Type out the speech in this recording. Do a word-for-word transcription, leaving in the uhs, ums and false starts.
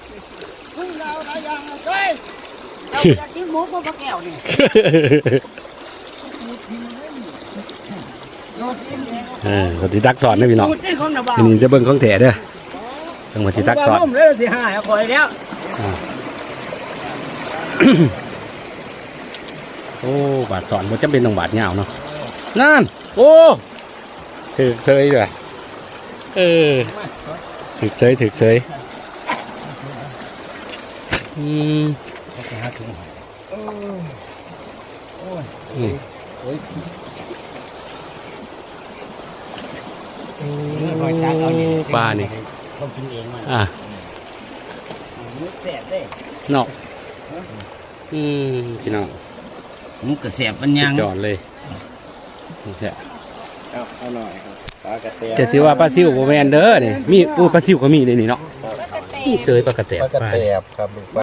พึ่งเราได้ยังเฮ้ยเราอยากกินหมูกับปลาแก้วนี่เออปฏิตักสอนนะพี่น้องพูดได้ของหน้าบ้านอันนี้จะเบิ่งของแท้เด้อต้องปฏิตักสอนผมเลยสิหายคอยแล้วโอ้บาดสอนมันจะเป็นต้องบาดยาวเนาะนั่นโอ้ถึกเซยด้วยเออถึกเซยถึกเซยอืมอืมปลานี่ต้องกินเองมันอ่ะมุกแสบเด้เนาะอืมพี่น้องมุกกระแสบมันยังจอดเลยนี่แหละเอาหน่อยครับปลากระเตงจะถือว่าปลาซิวโบแมนเด้อนี่มีอู้ปลาซิวก็มีเลยนี่เนาะนี่เสยปลากระแตบปลากระปลาเตบครับ